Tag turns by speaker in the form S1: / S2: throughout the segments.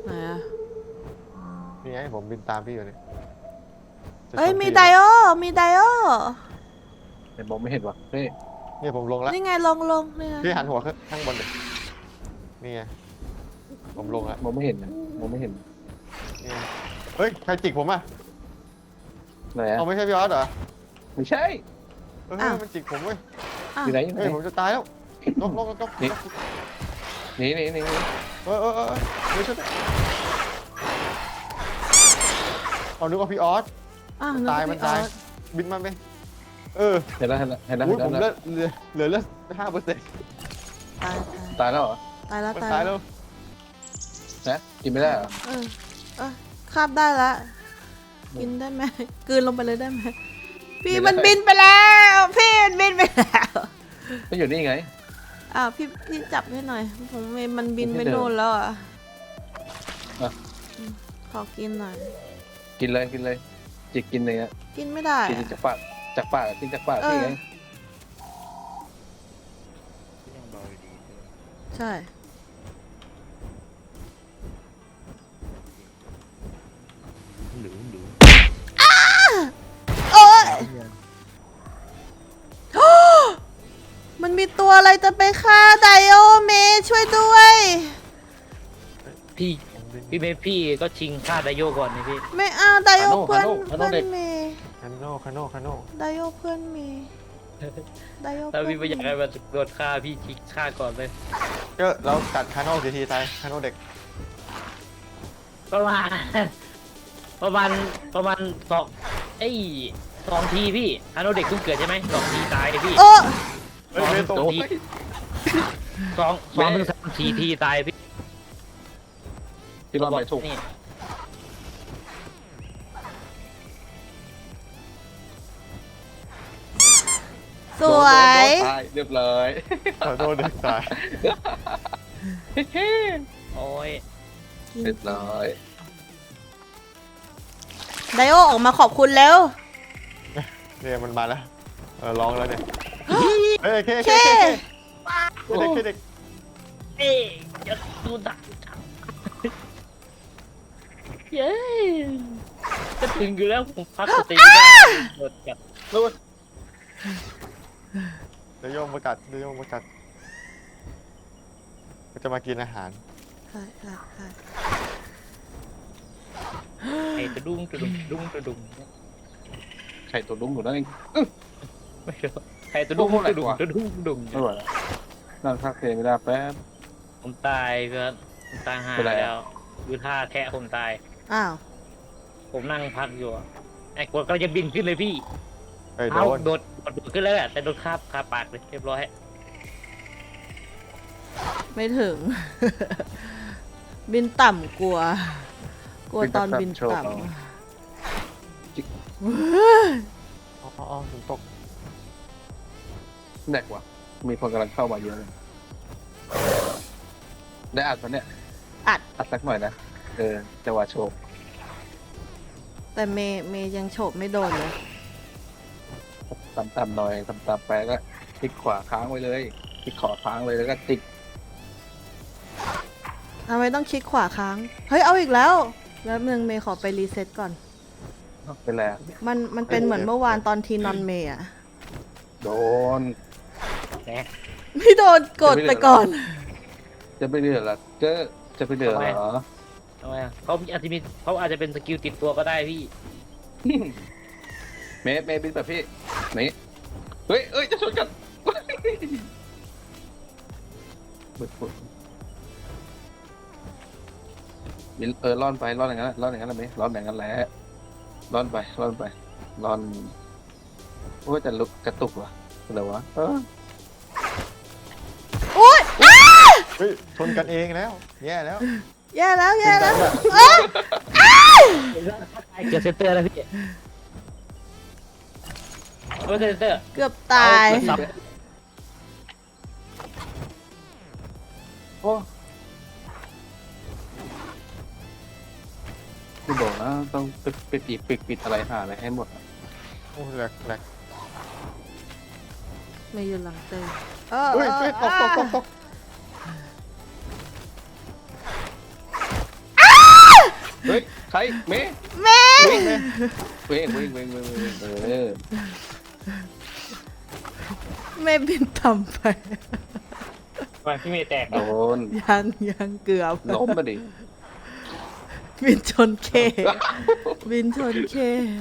S1: ไหนอะ
S2: นี่ไงผมบินตามพี่อยู่เนี่ย
S1: เอ้ยมีไดโอมีไดโอ
S3: แต่มองไม่เห็นวะเฮ้ย
S2: เนี่ยผมลงแล้ว
S1: นี่ไงลงนี่ไง
S2: พี่หันหัวขึ้นข้างบนเลยนี่ไงผมลงแล้ว
S3: มองไม่เห็นนะมองไม่เห็น
S2: นี่ไงเฮ้ยใครจิกผมอ่ะ
S3: ไหนอะ
S2: เอาไม่ใช่พี่ออสเหรอ
S3: ไม่ใช่
S2: เฮ้ยมันจิกผมเว้ย
S3: อยู่ไหนอยู่ไหน
S2: เฮ้ยผมจะตายแล้วลก
S3: หนี
S2: ไม่ช่วยเอานึกว่าพี่ออสมันตายบินมาไหม
S3: เห็นแล้ว
S2: ผมเหลือ5%
S1: ตาย
S3: ตายแล้วเหรอ
S2: มันตายแล้ว
S3: นะกินไม่ได้เหรอ
S1: คาบได้ละกินได้ไหมกลืนลงไปเลยได้ไหมพี่มันบินไปแล้วพี่มันบินไปแล้ว
S3: ก็อยู่นี่ไง
S1: พี่จับให้หน่อยผมมันบินไปโน่นแล้วอ่ะขอกินหน่อย
S3: กินเลยจิกกินเลยอะ
S1: กินไม่ได้
S3: กินจากปากกินจากปากพี่ไง
S1: ใช่โอ้ยมันมีตัวอะไรจะไปฆ่าไดโอเมช่วยด้วย
S4: พี่เมย์พี่ก็ชิงฆ่าไดโยก่อนนี่พี่
S1: ไม่เอาไดโอเพื่อนเม
S2: คาโน่
S1: ไดโอเพื่อนเมไดโอ
S4: ถ้าพี่ไม่อยากให้มันโดนฆ่าพี่ชิงฆ่าก่อนเลย
S2: ก็เรากัดคาโน่ทีตายคาโน่เด็ก
S4: ประมาณ2 ทีพี่คาโนเด็กเพิ่งเกิดใช่ไหม2 ทีตายพี่2 ที2 ถึง 3 ทีตายพี่
S3: ที่รอดไปถูก
S1: สวย
S3: เรียบร้อย
S2: คาโน่เด็กตาย
S4: โอ้ย
S3: เรียบร้อย
S1: ไดโอออกมาขอบคุณแล้ว
S2: เนี่ยมันมาแล้วร้องแล้วเนี่ยเฮ้ยเคเด็ก
S4: จะดูดักเย้จะถึงอยู่แล้วผมพักสติได้หมดจัด
S2: นู่นเดี๋ยวโยมประกาศจะมากินอาหาร
S4: ไอ้ตะดุ้ง
S3: ไข่ตัวดุ้งอยู่นั่นเอง
S4: ไม่รู้ไอ้ตะดุ้งไม่ไหวแล้ว
S3: นั่งพักเพลงไม่ได้แป๊บ
S4: ผมตายก็ผมตายหาแล้วคือท่าแทะผมตายผมนั่งพักอยู่ไอ้กดก็จะบินขึ้นเลยพี่เอาโดดขึ้นแล้วแต่โดนคาปากเลยเรียบร้อย
S1: ไม่ถึงบินต่ำกลัวตอนบินต่ำ
S2: ฝนตก
S3: แดกว่ะมีคนกำลังเข้ามาเยอะเลยได้อัดปะเนี่ย
S1: อัด
S3: สักหน่อยนะจังหวะโฉบ
S1: แต่เมย์ยังโฉบไม่โดนเลย
S3: ต่ำหน่อยต่ำไปก็คลิกขวาค้างไว้เลยคลิกขวาค้างเลยแล้วก็ติ๊ก
S1: ทำไมต้องคลิกขวาค้างเฮ้ยเอาอีกแล้วเมย์ขอไปรีเซ็ตก่อน
S3: เป็นไร
S1: มันเป็นเหมือนเมื่อวานตอนทีนอนเมย์อะ
S3: โดน
S1: ไม่โดนกดไปก่อน
S3: จะไปเดือดหรอจะไปเดือดเหรอ
S4: ทำไมเขาอาจจะเป็นสกิลติดตัวก็ได้พี่
S3: เมย์บินแบบพี่นี่เฮ้ยจะชนกันบินร่อนไปร่อนอย่างนั้นร่อนอย่างนั้นเลยไหมร่อนอย่างนั้นแหละร่อนไปโอ้ยจะลุกกระตุกวะอะไรวะ
S1: โอ๊ย
S2: ชนกันเองแล้วแย่แล้ว
S4: เกิดเซนเตอร์แล้วพี่เซนเตอร์
S1: เกือบตาย
S3: โอ้คุณบอกนะต้องปิดอะไรหาอะไรให้หมด
S2: โอ้แหลก
S1: ไม่ยืนหลังเตย
S2: ตก
S3: เฮ้ยใครเมย์
S1: แม่
S3: วิ่งเออ
S1: แม่บินต่ำไป
S4: ทำไมพี่เมย์แตก
S3: โด
S4: อ่ะ
S3: น
S1: ยังเกือบ
S3: ล้มมาดิ
S1: บินชนเค บินชนเค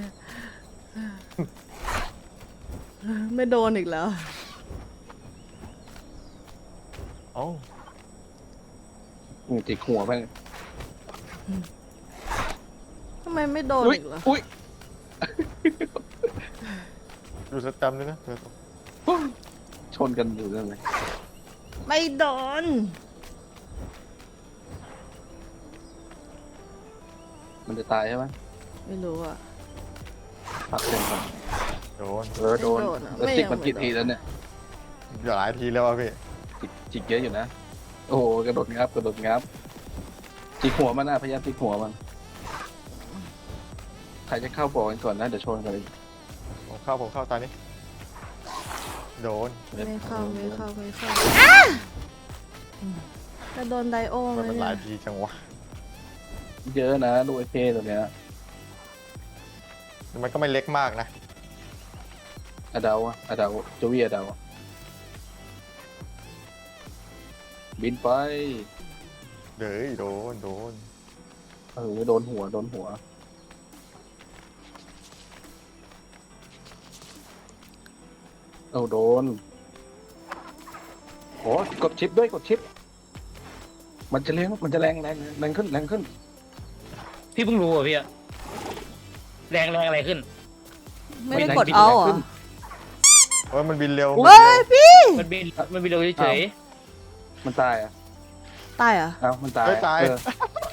S1: ไม่โดนอีกแล้ว
S2: เอ้า
S3: จิกหัวไป
S1: ทำไมไม่โดน
S3: อุ้ย
S1: อีกล่ะ
S3: อุ้ย
S2: ดูสแตมป์ด้วยนะเธอ
S3: ชนกันอยู่นั่นเลย
S1: ไม่โดน
S3: มันจะตายใช่ไหม
S1: ไม่รู้อ่ะ
S3: พักเต็มก่อน
S2: โดน
S3: โดน
S1: ไม่โดนอะ
S3: แล้ว
S1: ไม่
S3: จิก
S1: ยัง
S3: มัน
S1: ไม่
S3: กี่
S1: โดน
S3: ทีแล้วเนี่ย
S2: อย่าหลายทีแล้วอ่ะพี่
S3: จิกเยอะอยู่นะ โอ้โหกระโดดงับจิกหัวมันนะพยายามจิกหัวมันใครจะเข้าบ่อกันก่อนนะเดี๋ยวชนกันเลย
S2: ผมเข้าตอนนี้โดน
S1: ไม่เข้าจะโดนไดโอไหม
S2: มันห
S1: เนี่
S2: ลาย
S1: ย
S2: ทีจังวะ
S3: เยอะนะลูกไอ้เพตัวเนี้ย
S2: มันก็ไม่เล็กมากนะ
S3: อดาวจูวี่อดาวบินไป
S2: เด้ยโดน
S3: โดนหัวเอาโดนโอ้กดชิปด้วยกดชิป มันจะแรงขึ้น
S4: พี่เพิ่งรู้อ่ะพี่อะแรงอะไรขึ้น
S1: ไม่ได้กดเอาเหรอ
S2: เฮ้ยมันบินเร็ว
S1: เฮ้ยพี่
S4: มันบินเร็วเฉย
S3: มันตายอ่ะ
S1: ตายเหรอ่ะ
S3: เอ้ามันตาย
S2: เฮ้ยตาย
S3: เออ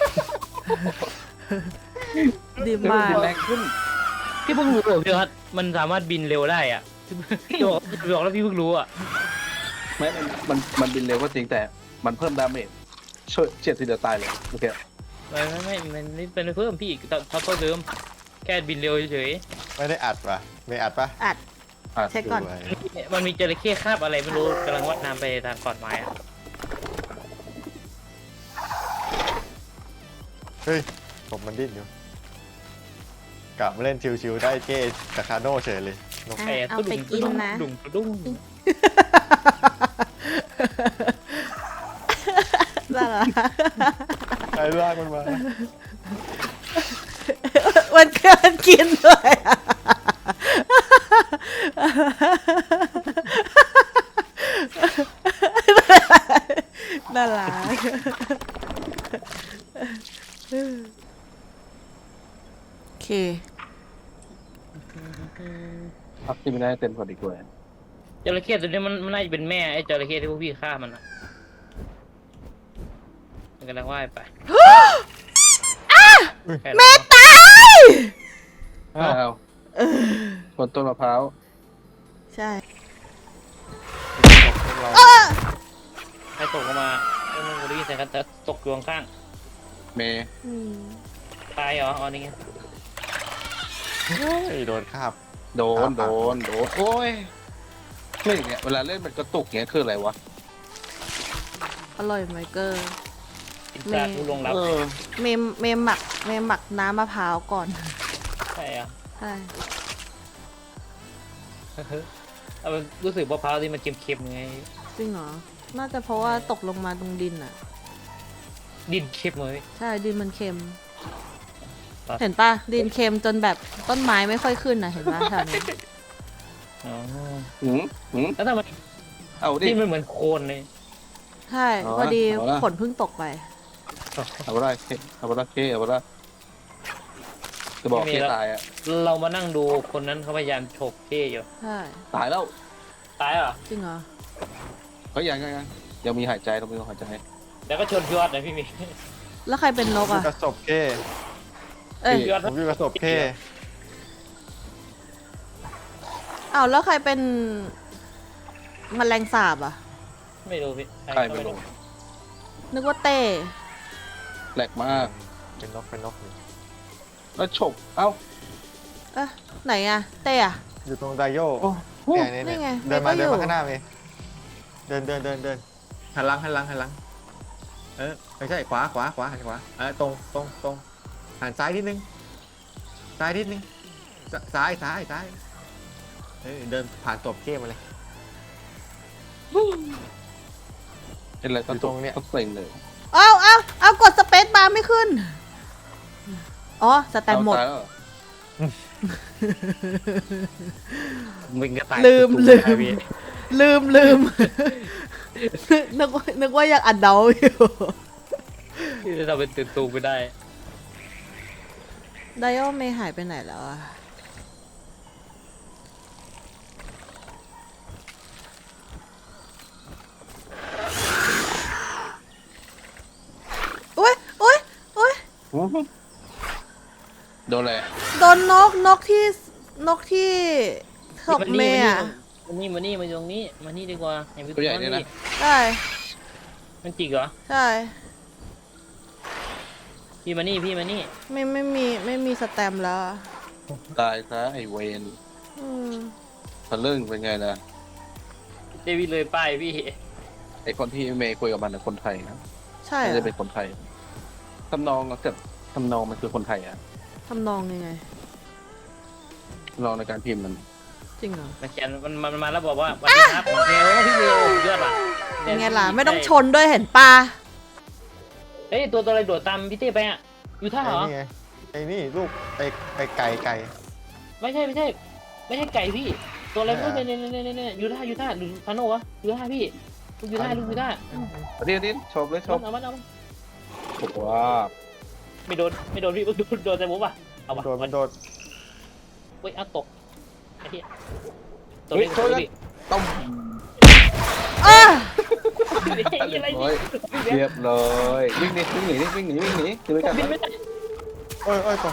S1: ดี
S3: เฮ้ย
S1: มาก
S3: บินแรงขึ้น
S4: ๆพี่เพิ่งรู้เหรอพี่ครับมันสามารถบินเร็วได้อ่ะพี่บอกแล้วพี่เพิ่งรู้อ่ะ
S3: ไม่มันบินเร็วก็จริงแต่มันเพิ่มดาเมจเฉียดทีเดียวตายเลยโอเค
S4: ไม่มันไม่เป็นเพิ่มพี่เท่าเดิมแค่บินเร็วเฉย
S2: ไม่ได้อัดป่ะไม่อัดป่ะ
S1: อัด
S3: อ่ะ
S1: เช็คก่อน
S2: สวย
S4: ๆมันมีจระเข้คาบอะไรไม่รู้กำลังว่ายน้ำไปทางขอนไม้อะ
S2: เฮ้ยผมมันดิ้นอยู่กลับมาเล่นชิวๆได้เก้กับคาโน่เฉยเลยนก
S1: อ่ะเอาไปกินนะ
S4: ดุ้ง
S1: น่ารัก
S2: ไอ้ลากมันมา
S1: มันเกินกินด้วยอะน่ารักโอเค
S3: พักที่ไม่ได้เต็มกว่าดีกว่า
S4: จระเข้ตัวนี้มันน่าจะเป็นแม่ไอ้จระเข้ที่พวกพี่ฆ่ามันอ่ะมันกำลังว่ายไปแม่
S1: ตาย
S3: อ้าวคนต้นมะพร้าว
S1: ใช่
S2: เรา
S4: ใครตกลงมาไอ้มึงได้ยินเสียงกันแต่ตกอยู่ข้าง
S3: เมย์
S1: อืม
S4: ๆตายเหรออ๋อนี่ไง
S2: เฮ้ยโดนคาบ
S3: โดนโอ้ยไม่อย่างเงี้ยเวลาเล่นมันกระตุกเงี้ยคืออะไรวะ
S1: อร่อยไหมเกอร์
S4: อินทราผู้ลงรับ
S3: เออ
S1: เมมหมักน้ำมะพร้าวก่อน
S4: ใช่อ่ะ
S1: ใช่
S4: เอามันรู้สึกมะพร้าวที่มันเค็มๆไง
S1: จริงเหรอ น่าจะเพราะว่าตกลงมาตรงดินอ่ะ
S4: ดินเค็มเลย
S1: ใช่ ดินมันเค็ม
S4: ครับ
S1: เห็นปะดินเค็มจนแบบต้นไม้ไม่ค่อยขึ้นนะเห็นปะแถวนี้
S4: อ๋อ
S3: หืม
S4: แล้วทำไม
S3: เอาดิ
S4: ที่มันเหมือนโคลนเลย
S1: ใช่
S3: เอาละ
S1: พอดี
S3: เอาละ
S1: ฝนเพิ่งตกไป
S3: เอาไปได้เอาไปได้จะบอกเคตายอ่ะ
S4: เรามานั่งดูคนนั้นเขาพยายามฉกเท่อยู่
S1: ใช่
S3: ตายแล้ว
S4: ตายเหรอ
S1: จริงเหรอ
S3: เฮ้ยยังมีหายใจต้องมีหายใจ
S4: แล้วก็ชนยอดนะพี่มี
S1: แล้วใครเป็นนก
S2: อยู่
S1: อ่ะ
S2: กระสบเก้
S1: เอ้ย
S4: ยอด
S2: ผมอยู่กระสบเก้
S1: อ้าวแล้วใครเป็นแมลงสาบอ่ะ
S4: ไม่รู้พี่
S3: ใครไม่รู้
S1: นึกว่าเต้
S3: แหลกมาก
S2: เป็นนกอยู่
S3: แล้วฉกเอ้า
S1: เอ๊ะไหนอ่ะ เต้อะ
S2: อยู่ตรงไดโย
S3: โอ้
S2: เนี่ย
S1: นี่ไง
S2: เดินมา
S1: เมย์ก็อยู่
S2: ข้างหน้าเมย์เดินหันหลังไม่ใช่ขวาหันขวาตรงหันซ้ายนิดนึงซ้ายนิดนึงซ้ายเดินผ่านตบเจ้มาเลย
S3: เป็นอะไรก็
S2: อยู่ตรงเนี้ย
S3: ต้องเซ็งเลย
S1: เอากดสเปซบาร์ไม่ขึ้น อ๋อ สแตนหมด
S3: เอาตายแล้วเหรอ
S4: มึงก็ตาย
S1: ลืม
S4: ตุ๊กๆได้พี่
S1: ลืม นึกว่ายังอัดเดาอยู่
S4: เราเป็นตื่นตูมไปได้
S1: ไดโอเมย์หายไปไหนแล้วอะอุ้ย
S3: โดนอะไร
S1: โดนนกที่ศพเมย์อะ
S4: มานี่มาตรงนี้มานี่ดีกว่าอย่าไป
S3: ตัวใหญ่เนี่ยนะ
S1: ใช่
S4: มันจิกเหรอ
S1: ใช่
S4: พี่มานี่
S1: ไม่มีสแตมป์แล้วอะ
S3: ตายซะไอเวน
S1: อืม
S3: ทะลึ่งเป็นไงล่ะ
S4: เจวิเลยป้ายพี่
S3: ไอคนที่เมย์คุยกับมันเป็นคนไทยนะ
S1: ใช่
S3: ไม่
S1: เหร
S3: ได้
S1: อ
S3: เป็นคนไทยทำนองกับทำนองมันคือคนไทยอะ
S1: ทำนองยังไง
S3: ทำนองในการพิมพ์มัน
S1: จริงเหรอ
S4: มาเขียนมันมาแล้วบอกว่าสวัสดีครับเมลพี่เมลเลือดว่ะ
S1: ยังไงล่ะ ไม่ต้องชนด้วยเห็นปลา
S4: เฮ้ยตัวอะไรโดดตามพี่เต้ไปอ่ะอยู่ท่าเหรอ
S2: ไอ้นี่ไงไอ้นี่ลูกไอ้ไก่
S4: ไม่ใช่ไก่พี่ ตัวอะไรไม่รู้เนี่ยยูท่าหรือพาโนวะยูท่าพี่ลูกยูท่า
S3: เดี๋ยวชมเลยชม
S4: เอามัน
S3: ถูกว่า
S4: ไม่โดนพี่โดนแต่ผมป่ะเอาวะ
S2: มันโดด
S4: เฮ้ยเอาตกไอ้ที่ตัว
S3: เฮ้ย
S4: นี้
S3: ช่วยกัน
S4: พี่
S3: ต้อง
S1: เออ
S4: อะไร
S3: เรียบร้อยวิ่งหนีคือไม่กัน
S4: บินไม่ได้
S2: โอ้ยตก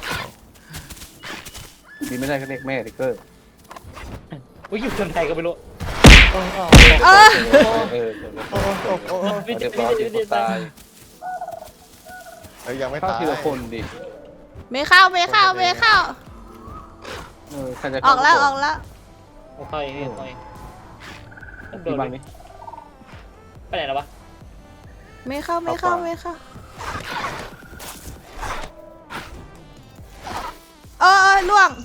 S3: บินไม่ได้ก็เรียกแม่ติ๊กเกอร์
S4: อุ้ยอยู่คนไทยก็ไม่รู้
S1: เออ
S3: เออ
S2: โอ้
S3: เรียบร้อยที่คนตาย
S2: เฮ้ยยังไม่
S3: เข้า
S2: ตาย
S3: ทีละคนดิ
S1: เมเข้า
S3: ใครจะ
S1: ออกแล้ว
S4: ค่อย
S3: ที่บ้านนี้
S4: ไปไหนแล้ววะ
S1: เมเข้า เออล่วง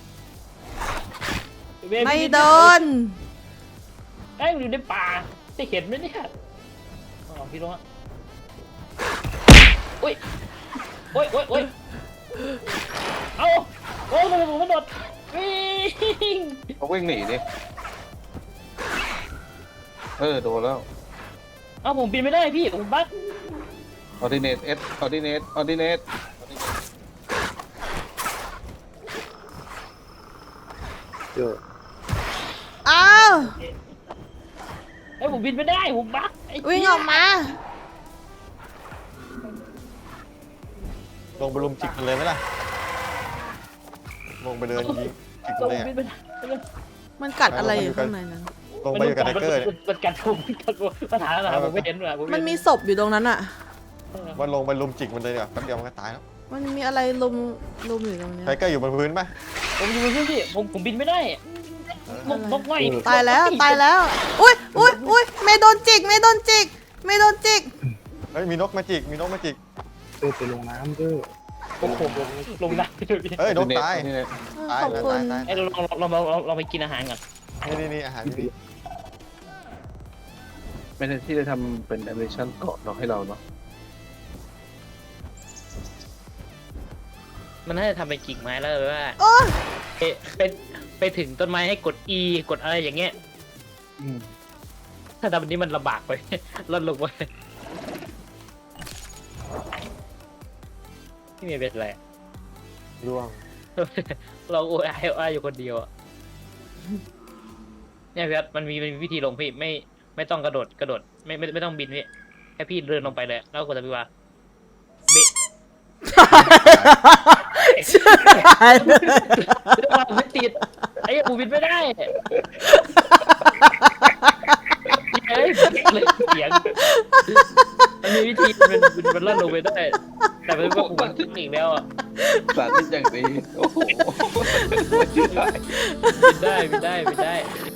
S1: ไม่โดน
S4: ไอ้อยู่ในป่าจะเห็นไหมเนี่ยอ๋อพี่รู้ฮะโอ้ยเอาโอ้ยผมมันโดดวิ่ง
S3: เขาวิ่งหนีดิโดนแล้ว
S4: เอาผมบินไม่ได้พี่ผมบั๊ก
S3: ออร์ดิเนต
S1: อ้าว
S4: ไอ้ผมบินไม่ได้ผมบั๊ก
S1: วิ่งออกมา
S2: ลงไปลุมจิกมันเลยไหมล่ะลงไปเดินยิงจิก
S4: ผม
S2: เลย
S4: บินไม่ได้
S1: มันกัดอะไรอยู่ข้างในนั้น
S2: ลงไปอยู่กับไทเกอร์เนี่ย
S4: มันกัดผมปัญหาผมไม่เห็นเลย
S1: มันมีศพอยู่ตรงนั้นอะ
S2: มันลงไปลุมจิกมันเลยเนี่ยแป๊บเดียวมันก็ตายแล้ว
S1: มันมีอะไรลุมอยู่ตรงเนี้ย
S2: ไทเกอร์อยู่บนพื้นป่ะ
S4: ผมอยู่บนพื้นที่ผมบินไม่ได้นกไง
S1: ตายแล้ว อุ้ยเมย์โดนจิก
S2: เฮ้ยมีนกมาจิก
S3: ไปลงน้ำด้วย
S4: โอ้โหลงน้ำไปเลยพี่
S2: เฮ้ยนกตาย
S1: ขอบคุณ
S4: ไอ้เราไปกินอาหารก่อน
S2: นี่อาหารนี่
S3: ไม่ใช่ที่จะทำเป็นแอนิเมชั่นเกาะเนาะให้เราเนาะ
S4: มันน่าจะทำเป็นกิ่งไม้แล้วเลยว่า
S1: โอ้ย
S4: ไปถึงต้นไม้ให้กด E กดอะไรอย่างเงี้ยถ้าทำแบบนี้มันลำบากไป ลดลงไปที่มีเป็นอะไร
S2: ร่วง
S4: เราโอ้ยอยู่คนเดียวอ่ะเนี่ยพี่มันมีวิธีลงพี่ไม่ต้องกระโดดไม่ต้องบินพี่แค่พี่เดินลงไปเลยแล้วกดตะพิวาเบะไม่ติดไอ้ปูบินไม่ได้เฮ้ยเลยเสียงมันมีวิธีมันลั่นลงไปได้แต่มันก็ปูบินอีกแล้วอ่ะ
S3: สาธิตอย่างดีโอ้โห
S4: บินได้